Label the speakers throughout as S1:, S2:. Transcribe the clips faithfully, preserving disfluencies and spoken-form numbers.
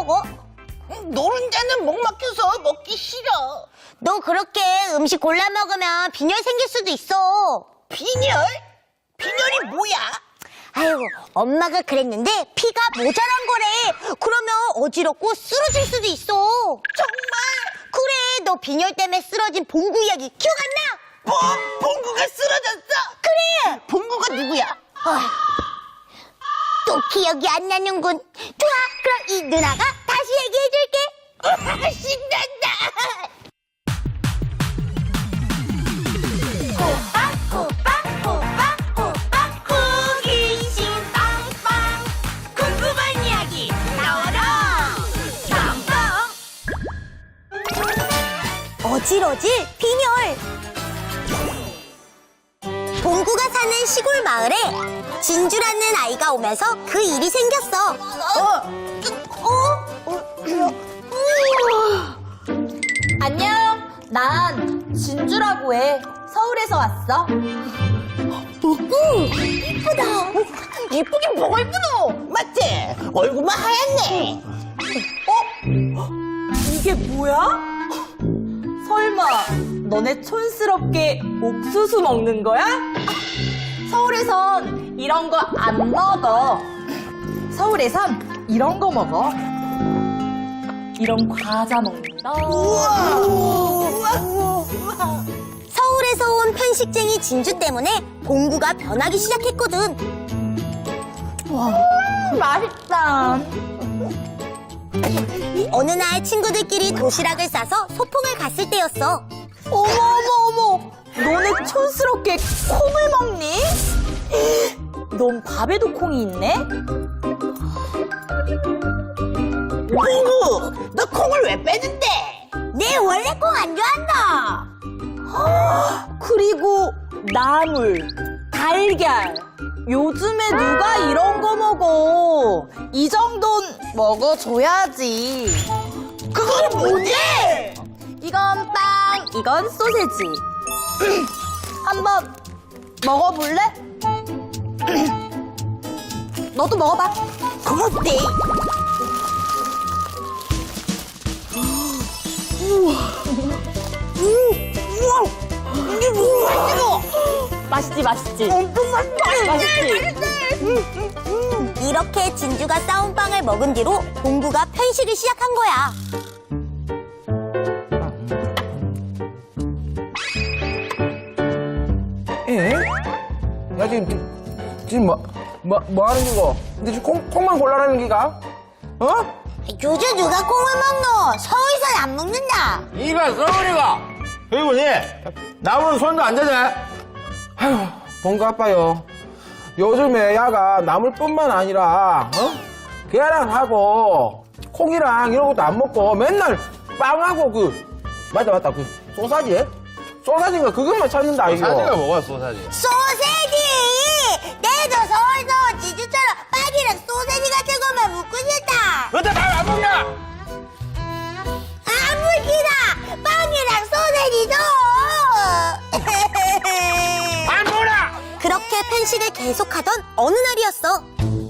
S1: 먹어?
S2: 노른자는 목 막혀서 먹기 싫어.
S1: 너 그렇게 음식 골라 먹으면 빈혈 생길 수도 있어.
S2: 빈혈? 빈혈이 뭐야?
S1: 아이고, 엄마가 그랬는데 피가 모자란 거래. 그러면 어지럽고 쓰러질 수도 있어.
S2: 정말?
S1: 그래, 너 빈혈 때문에 쓰러진 봉구 이야기 기억 안 나?
S2: 봉, 봉구가 쓰러졌어?
S1: 그래!
S2: 봉구가 누구야?
S1: 아, 또 기억이 안 나는군. 좋아, 그럼 이 누나가 다시 얘기해줄게.
S2: 신난다.
S1: 호박, 호박, 호박, 호박, 호기심 빵빵. 궁금한 이야기 나와라. 빵빵. 어질어질 빈혈. 봉구가 사는 시골 마을에 진주라는 아이가 오면서 그 일이 생겼어. 어? 어?
S3: 안녕, 난 진주라고 해. 서울에서 왔어.
S1: 봉구, 이쁘다.
S2: 이쁘긴 뭐가 이쁘노? 맞지? 얼굴만 하얗네.
S3: 어? 이게 뭐야? 설마 너네 촌스럽게 옥수수 먹는 거야? 서울에선 이런 거 안 먹어. 서울에선 이런 거 먹어. 이런 과자 먹는다.
S2: 우와, 우와, 우와.
S1: 서울에서 온 편식쟁이 진주 때문에 봉구가 변하기 시작했거든.
S3: 맛있다.
S1: 어느 날 친구들끼리 도시락을 싸서 소풍을 갔을 때였어.
S3: 어머 어머 어머, 너네 촌스럽게 콩을 먹니? 넌 밥에도 콩이 있네?
S2: 봉구, 너 콩을 왜 빼는데?
S1: 내 원래 콩 안 좋아한다.
S3: 그리고 나물, 달걀. 요즘에 누가 이런 거 먹어? 이 정도는 먹어줘야지.
S2: 그거는 뭐지?
S3: 이건 빵, 이건 소세지. 한번 먹어볼래? 너도 먹어봐.
S2: 고맙대. 우와, 이게 뭐야, 이거?
S3: 맛있지, 맛있지?
S2: 엄청 맛있다.
S3: 맛있지?
S1: 이렇게 진주가 싸운 빵을 먹은 뒤로 봉구가 편식을 시작한 거야.
S4: 에? 야 지금 지금 뭐 뭐 뭐 하는 기고? 근데 지금 콩 콩만 골라라는 기가? 어?
S1: 요즘 누가 콩을 먹노? 서울선 안 먹는다.
S4: 이가 서울이가. 그리고니 나무는 손도 안 대네. 아휴 봉구 아빠요. 요즘에 야가 나물뿐만 아니라 어? 계란하고 콩이랑 이런 것도 안 먹고 맨날 빵하고 그 맞다 맞다 그 소사지? 소사지인가 그것만 찾는다 이거.
S5: 소사지가 뭐가 소사지?
S1: 소세지! 내도 서울서 진주처럼 빵이랑 소세지 같은 것만 먹고 싶다.
S5: 너한테 밥안 먹냐?
S1: 안 먹기다! 빵이랑 소세지도!
S5: 안 먹어라!
S1: 그렇게 편식을 계속하던 어느 날이었어.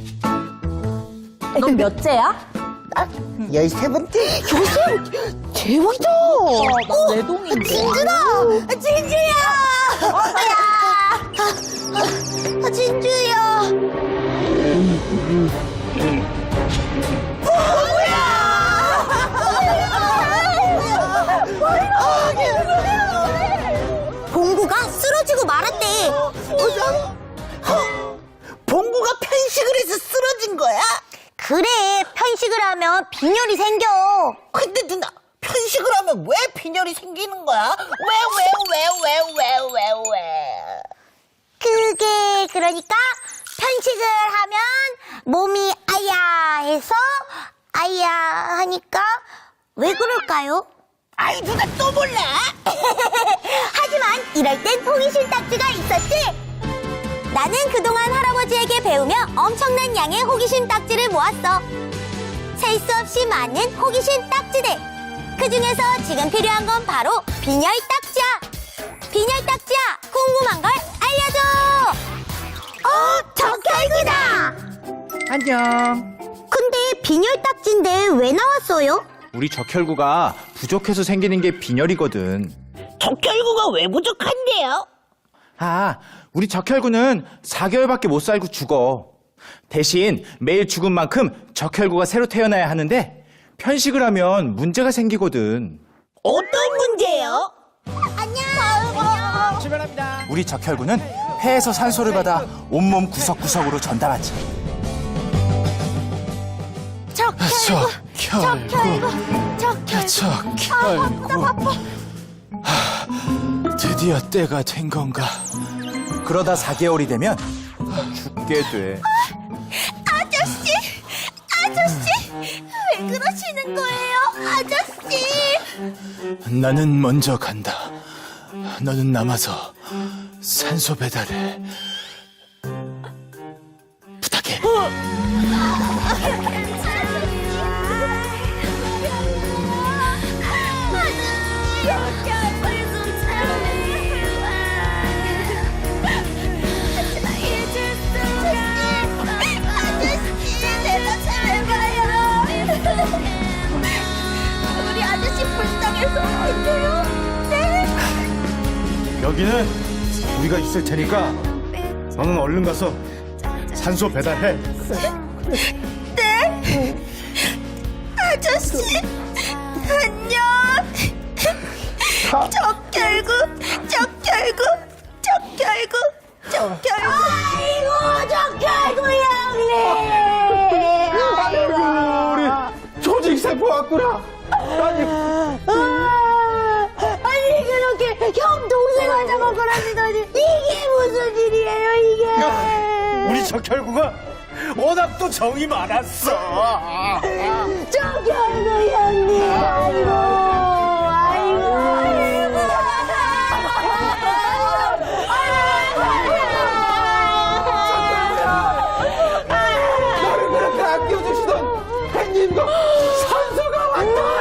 S3: 넌 몇째야?
S2: 열세 번째?
S1: 대박이다!
S3: 난 내동인데.
S1: 진주다! 진주야! 야! 아, 진주야! 봉구가 쓰러지고 말았대.
S2: 봉구가 편식을 해서 쓰러진 거야?
S1: 그래, 편식을 하면 빈혈이 생겨.
S2: 근데 누나, 편식을 하면 왜 빈혈이 생기는 거야? 왜, 왜, 왜, 왜, 왜, 왜, 왜?
S1: 그게 그러니까 편식을 하면 몸이 아야 해서 아야 하니까 왜 그럴까요?
S2: 아이, 누나 또 몰라?
S1: 하지만 이럴 땐 호기심 딱지가 있었지. 나는 그동안 할아버지에게 배우며 엄청난 양의 호기심 딱지를 모았어. 셀 수 없이 많은 호기심 딱지들. 그 중에서 지금 필요한 건 바로 빈혈 딱지야. 빈혈 딱지야, 궁금한 걸 알려줘. 어, 적혈구다.
S4: 안녕.
S1: 근데 빈혈 딱지인데 왜 나왔어요?
S5: 우리 적혈구가 부족해서 생기는 게 빈혈이거든.
S2: 적혈구가 왜 부족한데요?
S5: 아, 우리 적혈구는 사 개월밖에 못 살고 죽어. 대신 매일 죽은 만큼 적혈구가 새로 태어나야 하는데 편식을 하면 문제가 생기거든.
S2: 어떤 문제요?
S1: 안녕.
S5: 우리 적혈구는 폐에서 산소를 받아 온몸 구석구석으로 전달하지.
S1: 적혈구, 적혈구, 적혈구.
S5: 적혈구. 드디어 때가 된 건가? 그러다 사 개월이 되면 죽게 돼.
S1: 아저씨, 아저씨, 왜 그러시는 거예요, 아저씨?
S5: 나는 먼저 간다. 너는 남아서 산소 배달을 부탁해.
S1: 우리 아저씨 불쌍해서 어떡해요? 네.
S6: 여기는 우리가 있을 테니까 너는 얼른 가서 산소 배달해.
S1: 네? 아저씨, 안녕. 적혈구, 적혈구, 적혈구, 적혈구. 아이고, 적혈구 형님.
S4: 아이고, 우리 조직세포 왔구나. 아니,
S1: 아니, 그렇게 형 동생을 잡아가라니다니. 이게 무슨 일이에요, 이게.
S6: 우리 적혈구가 워낙 또 정이 많았어.
S1: 적혈구 형님. 아이고, 아이고, 아이고.
S4: 나를 그렇게 아껴주시던 팬님과 산소가 왔다.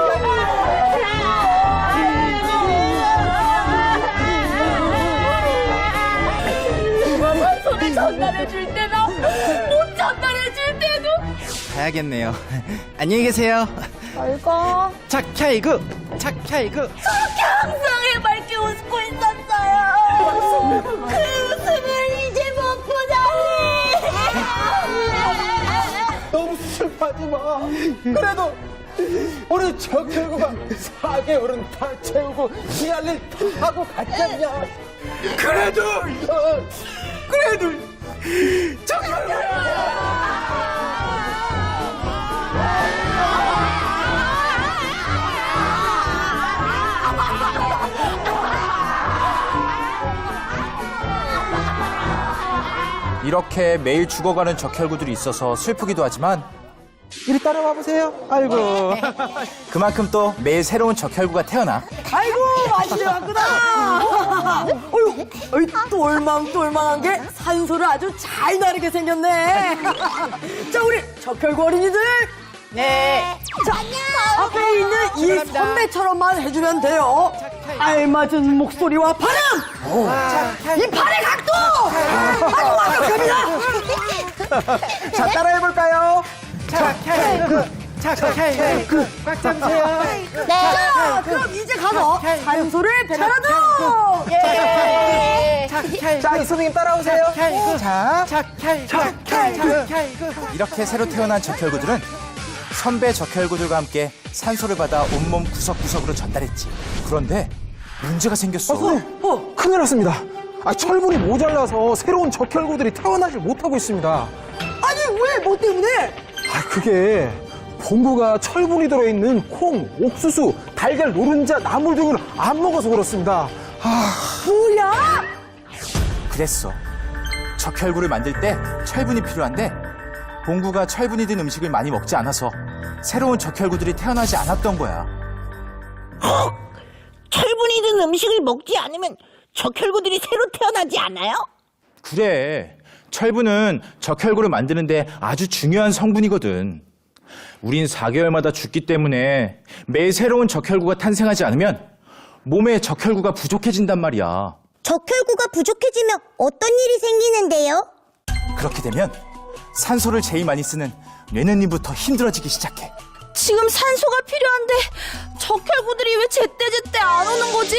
S1: 산소를 전달해줄 때나 못 전달해줄 때도.
S5: 가야겠네요. 안녕히 계세요.
S1: 아이고.
S5: 착혈구, 착혈구.
S1: 그렇게 항상 해맑게 웃고 있었어요. 그 웃음을 이제 못 보다니.
S4: 너무 슬퍼하지 마. 그래도 우리 적혈구가 사 개월은 다 채우고 지할 일 다 하고 갔잖냐. 그래도 어, 그래도
S5: 이렇게 매일 죽어가는 적혈구들이 있어서 슬프기도 하지만
S4: 이리 따라와 보세요. 아이고.
S5: 그만큼 또 매일 새로운 적혈구가 태어나.
S3: 아이고, 맛있게 왔구나. 어휴, 어이, 똘망똘망한 게 산소를 아주 잘 나르게 생겼네. 자, 우리 적혈구 어린이들. 네. 자, 앞에 있는 이 선배처럼만 해주면 돼요. 알맞은 목소리와 발음. 자, 이 발의 각도. 아주 완벽합니다.
S4: 자, 따라해볼까요?
S5: 착혈구, 착혈구. 꽉 잡으세요.
S3: 자, 그럼 이제 가서 산소를 배달하도록. 예.
S4: 자, 이 선생님 따라오세요. 자,
S5: 이렇게 새로 태어난 적혈구들은 선배 적혈구들과 함께 산소를 받아 온몸 구석구석으로 전달했지. 그런데 문제가 생겼어.
S4: 어, 큰일 났습니다. 아, 철분이 모자라서 새로운 적혈구들이 태어나질 못하고 있습니다.
S3: 아니, 왜? 뭐 때문에?
S4: 아, 그게 봉구가 철분이 들어있는 콩, 옥수수, 달걀, 노른자, 나물 등을 안 먹어서 그렇습니다. 아,
S3: 뭐야?
S5: 그랬어. 적혈구를 만들 때 철분이 필요한데 봉구가 철분이 든 음식을 많이 먹지 않아서 새로운 적혈구들이 태어나지 않았던 거야.
S2: 철분이 든 음식을 먹지 않으면 적혈구들이 새로 태어나지 않아요?
S5: 그래. 철분은 적혈구를 만드는데 아주 중요한 성분이거든. 우린 사 개월마다 죽기 때문에 매일 새로운 적혈구가 탄생하지 않으면 몸에 적혈구가 부족해진단 말이야.
S1: 적혈구가 부족해지면 어떤 일이 생기는데요?
S5: 그렇게 되면 산소를 제일 많이 쓰는 뇌는님부터 힘들어지기 시작해.
S3: 지금 산소가 필요한데 적혈구들이 왜 제때제때 안 오는 거지?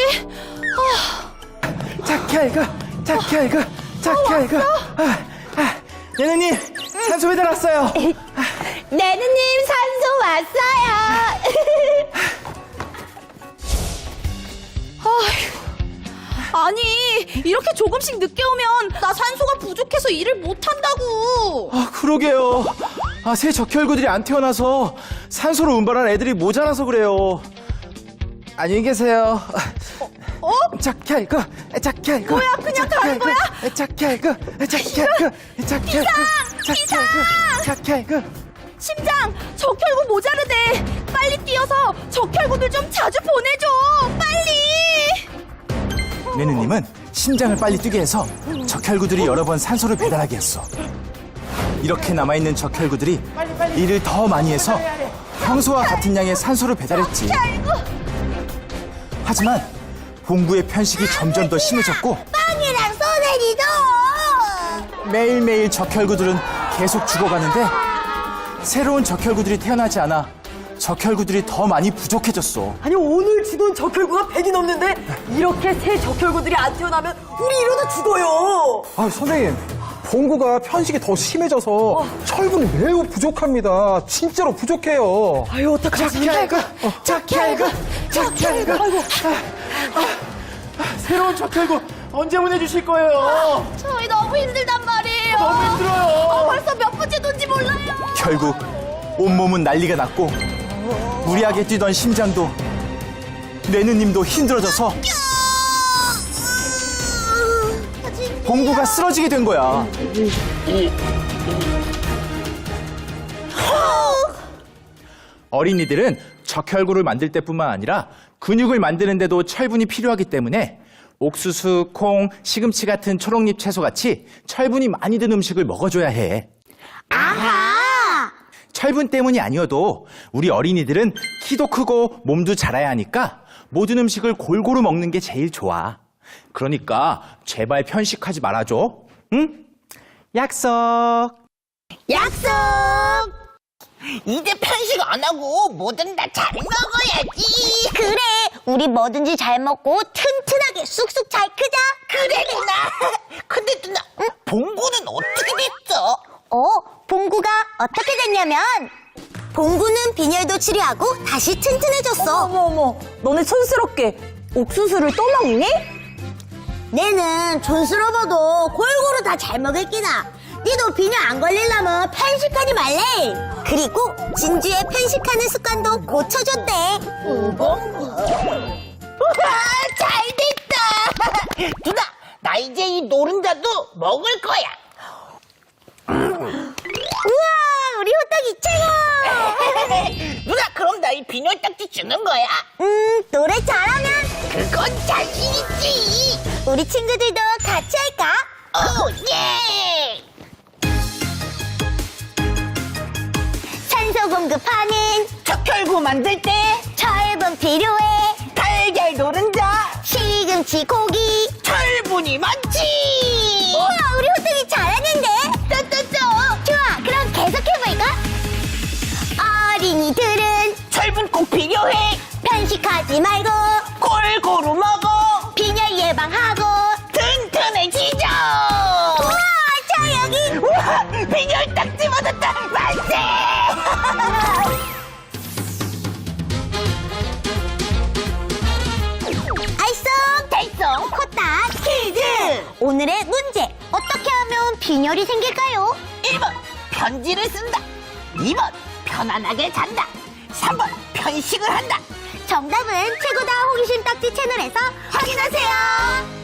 S4: 자키알가, 자키알가, 자키알가. 아, 아, 네네님, 산소 배달 왔어요.
S1: 내느님 산소 왔어요.
S3: 아니 이렇게 조금씩 늦게 오면 나 산소가 부족해서 일을 못한다고.
S5: 아, 그러게요. 아, 새 적혈구들이 안 태어나서 산소로 운반할 애들이 모자라서 그래요.
S4: 안녕히 계세요.
S3: 어?
S4: 자키알가, 자키알가.
S3: 뭐야, 그냥 가는 거야?
S4: 자키알가, 자키알가, 자키알가, 자키알가, 자키알가.
S3: 심장 적혈구 모자르대. 빨리 뛰어서 적혈구들 좀 자주 보내줘. 빨리.
S5: 네느님은 심장을 빨리 뛰게 해서 적혈구들이 여러 번 산소를 배달하게 했어. 이렇게 남아있는 적혈구들이 일을 더 많이 해서 평소와 같은 양의 산소를 배달했지. 하지만 봉구의 편식이 점점 더 심해졌고
S1: 빵이랑 소세지도.
S5: 매일매일 적혈구들은 계속 죽어가는데 새로운 적혈구들이 태어나지 않아 적혈구들이 더 많이 부족해졌어.
S7: 아니 오늘 죽은 적혈구가 백이 넘는데 이렇게 새 적혈구들이 안 태어나면 우리 이러다 죽어요.
S4: 아, 선생님. 봉구가 편식이 더 심해져서 철분이 매우 부족합니다. 진짜로 부족해요.
S7: 아유 어떡하지?
S4: 자키알가, 자키알가, 자키알가. 아이고.
S6: 새로운 적혈구 언제 보내주실 거예요?
S3: 저희 너무 힘들단 말이에요.
S6: 너무 힘들어요.
S3: 어, 벌써 몇 번째 돈지 몰라요.
S5: 결국 온몸은 난리가 났고 무리하게 뛰던 심장도 뇌느님도 힘들어져서 봉구가 쓰러지게 된 거야. 어린이들은 적혈구를 만들 때뿐만 아니라 근육을 만드는데도 철분이 필요하기 때문에 옥수수, 콩, 시금치 같은 초록잎 채소같이 철분이 많이 든 음식을 먹어줘야 해.
S1: 아하.
S5: 철분 때문이 아니어도 우리 어린이들은 키도 크고 몸도 자라야 하니까 모든 음식을 골고루 먹는 게 제일 좋아. 그러니까 제발 편식하지 말아줘. 응? 약속.
S1: 약속.
S2: 이제 편식 안 하고 뭐든 다 잘 먹어야지.
S1: 그래, 우리 뭐든지 잘 먹고 튼튼하게 쑥쑥 잘 크자.
S2: 그래 누나. 근데 누나, 봉구는 어떻게 됐어?
S1: 어, 봉구가 어떻게 됐냐면 봉구는 빈혈도 치료하고 다시 튼튼해졌어.
S7: 어머 어머, 너네 촌스럽게 옥수수를 또 먹니?
S1: 내는 촌스러워도 골고루 다 잘 먹을 끼다. 니도 빈혈 안 걸리려면 편식하지 말래. 그리고 진주의 편식하는 습관도 고쳐줬대.
S2: 우와, 잘 됐다. 누나, 나 이제 이 노른자도 먹을 거야.
S1: 우와, 우리 호떡이 최고.
S2: 누나, 그럼 나 이 비녀 딱지 주는 거야?
S1: 음, 노래 잘하면
S2: 그건 자신 있지.
S1: 우리 친구들도 같이 할까?
S2: 오, 예.
S1: 산소 공급하는
S2: 적혈구 만들 때
S1: 철분 필요해.
S2: 달걀 노른자
S1: 시금치 고기.
S2: 철분이 많지.
S1: 우와, 우리 호떡이 잘하는데? 또또또. 좋아, 그럼 계속해볼까? 어린이들은
S2: 철분 꼭 필요해.
S1: 편식하지 말고
S2: 골고루 먹어.
S1: 빈혈 예방하고.
S2: 튼튼해지죠.
S1: 우와, 저 여기.
S2: 우와, 비녀 딱지 받았다. 만세.
S1: 알쏭 달쏭 코딱 퀴즈. 오늘의 문제. 어떻게 하면 빈혈이 생길까요?
S2: 일 번 편지를 쓴다. 이 번 편안하게 잔다. 삼 번 편식을 한다.
S1: 정답은 최고다 호기심 딱지 채널에서 확인하세요.